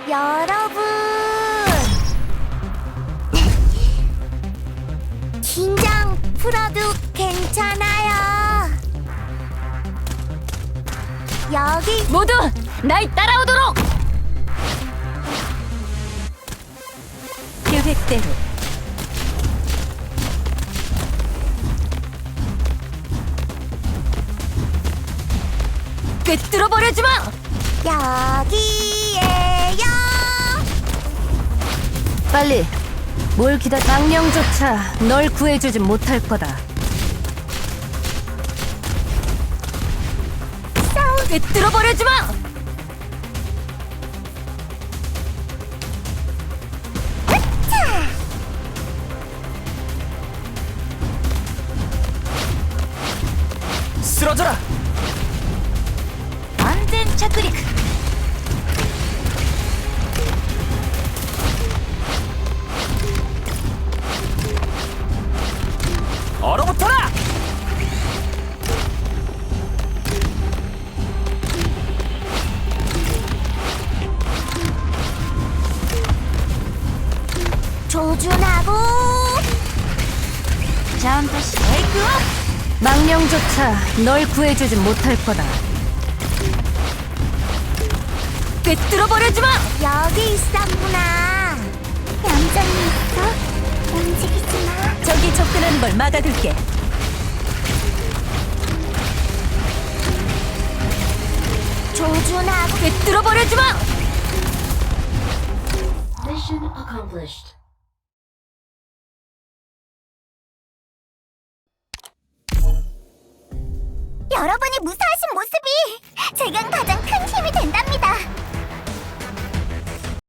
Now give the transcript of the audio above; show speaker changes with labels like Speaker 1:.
Speaker 1: 여러분, 긴장 풀어도 괜찮아요. 여기
Speaker 2: 모두 날 따라오도록! 계획대로 꿰뚫어버려주마!
Speaker 1: 여기에요.
Speaker 2: 빨리 뭘 기다 망령조차 널 구해주진 못할 거다. 꿰뚫어버려주마!
Speaker 3: 쓰러져라!
Speaker 2: 안된 착륙!
Speaker 3: 얼어붙어라!
Speaker 1: 조준하고
Speaker 2: 점프 쉐이크업! 망령조차 널 구해주진 못할 거다. 꿰뚫어버려주마!
Speaker 1: 여기 있었구나. 얌전히 있어. 움직이지 마.
Speaker 2: 저기 접근하는 걸 막아둘게.
Speaker 1: 조준하고
Speaker 2: 꿰뚫어버려주마!
Speaker 4: Mission accomplished.
Speaker 1: 여러분이 무사하시